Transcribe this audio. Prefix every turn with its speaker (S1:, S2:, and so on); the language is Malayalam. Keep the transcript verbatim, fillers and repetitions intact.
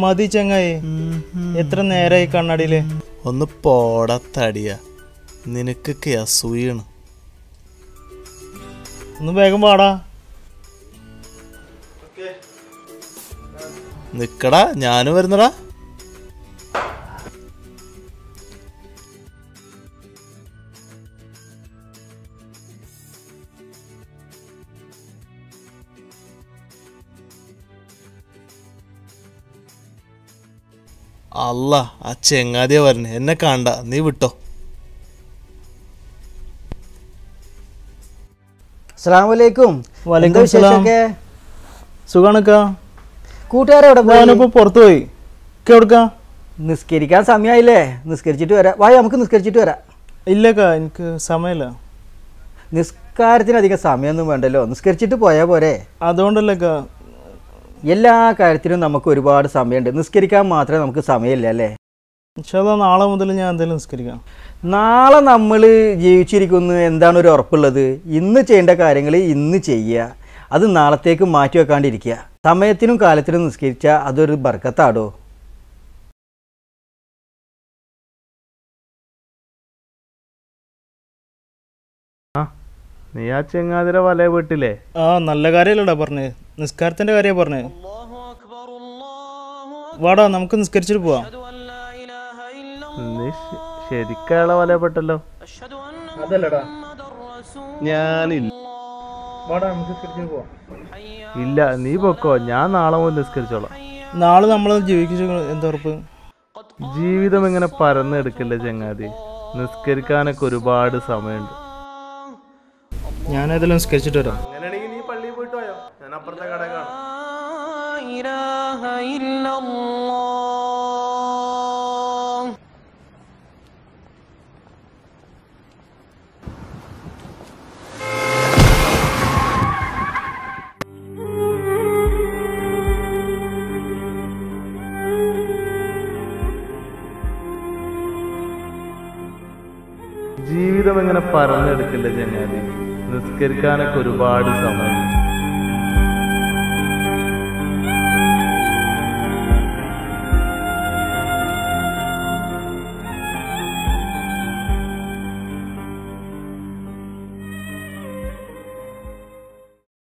S1: മതി ചങ്ങായി, എത്ര നേരായി കണ്ണാടിയില്.
S2: ഒന്ന് പോടത്തടിയ, നിനക്കൊക്കെ അസൂയാണ്.
S1: ഒന്ന് വേഗം പാടാ.
S2: നിക്കടാ, ഞാനും വരുന്നടാ. അല്ല, ആ ചെങ്ങാതിയ വരണേ, എന്നെ കാണണ്ട, നീ വിട്ടോ.
S3: അസ്സലാമലൈക്കും.
S1: വലൈക്കും സലാം. സുഖാണക്കാ?
S3: കൂട്ടുകാരെ
S1: ഞാനിപ്പോ പുറത്തു പോയി. എവിടുക്കാ?
S3: നിസ്കരിക്കാൻ സമയമായില്ലേ, നിസ്കരിച്ചിട്ട് വരാം. വായ, നമുക്ക് നിസ്കരിച്ചിട്ട് വരാം.
S1: ഇല്ലക്കാ, എനിക്ക് സമയമില്ല.
S3: നിസ്കാരത്തിന് അധികം സമയമൊന്നും വേണ്ടല്ലോ, നിസ്കരിച്ചിട്ട് പോയാൽ പോരെ.
S1: അതുകൊണ്ടല്ലേക്കാ.
S3: എല്ലാ കാര്യത്തിനും നമുക്ക് ഒരുപാട് സമയമുണ്ട്, നിസ്കരിക്കാൻ മാത്രമേ നമുക്ക് സമയമില്ല അല്ലേ.
S1: പക്ഷേ നാളെ മുതൽ ഞാൻ എന്തായാലും നിസ്കരിക്കാം.
S3: നാളെ നമ്മൾ ജീവിച്ചിരിക്കുന്നു എന്താണ് ഒരു ഉറപ്പുള്ളത്? ഇന്ന് ചെയ്യേണ്ട കാര്യങ്ങൾ ഇന്ന് ചെയ്യുക, അത് നാളത്തേക്ക് മാറ്റി വെക്കാണ്ടിരിക്കുക. സമയത്തിനും കാലത്തിനും നിസ്കരിച്ചാൽ അതൊരു ബർക്കത്താടോ.
S2: നീ ആ ചെങ്ങാതിര വലയ വീട്ടില്ലേ?
S1: ആ, നല്ല കാര്യമല്ലടാ പറഞ്ഞേ, നിസ്കാരത്തിന്റെ കാര്യ പറഞ്ഞേ. വാടാ, നമുക്ക് നിസ്കരിച്ചിട്ട് പോവാം.
S2: നീ ശരിക്കയാളെ വലയപ്പെട്ടല്ലോ.
S1: അതല്ലടാ,
S2: ഞാനില്ല.
S1: വാടാ, നമുക്ക് നിസ്കരിച്ചിട്ട് പോവാം.
S2: ഇല്ല, നീ പൊക്കോ, ഞാൻ നാളെ മുതൽ നിസ്കരിച്ചോളാം.
S1: നാളെ നമ്മൾ ജീവിച്ചു എന്താ ഉറപ്പ്?
S2: ജീവിതം ഇങ്ങനെ പരന്നെടുക്കില്ല ചങ്ങാതി, നിസ്കരിക്കാനൊക്കെ ഒരുപാട് സമയമുണ്ട്.
S1: ഞാൻ ഏതെങ്കിലും നിസ്കരിച്ചിട്ട് വരാം.
S2: അങ്ങനെയാണെങ്കിൽ നീ പള്ളിയിൽ പോയിട്ട് പോയോ, ഞാൻ അപ്പുറത്തെ കട കാണാം. ജീവിതം ഇങ്ങനെ പരന്നെടുക്കില്ല ചങ്ങാതി, നിസ്കരിക്കാനൊക്കെ ഒരുപാട് സമയം.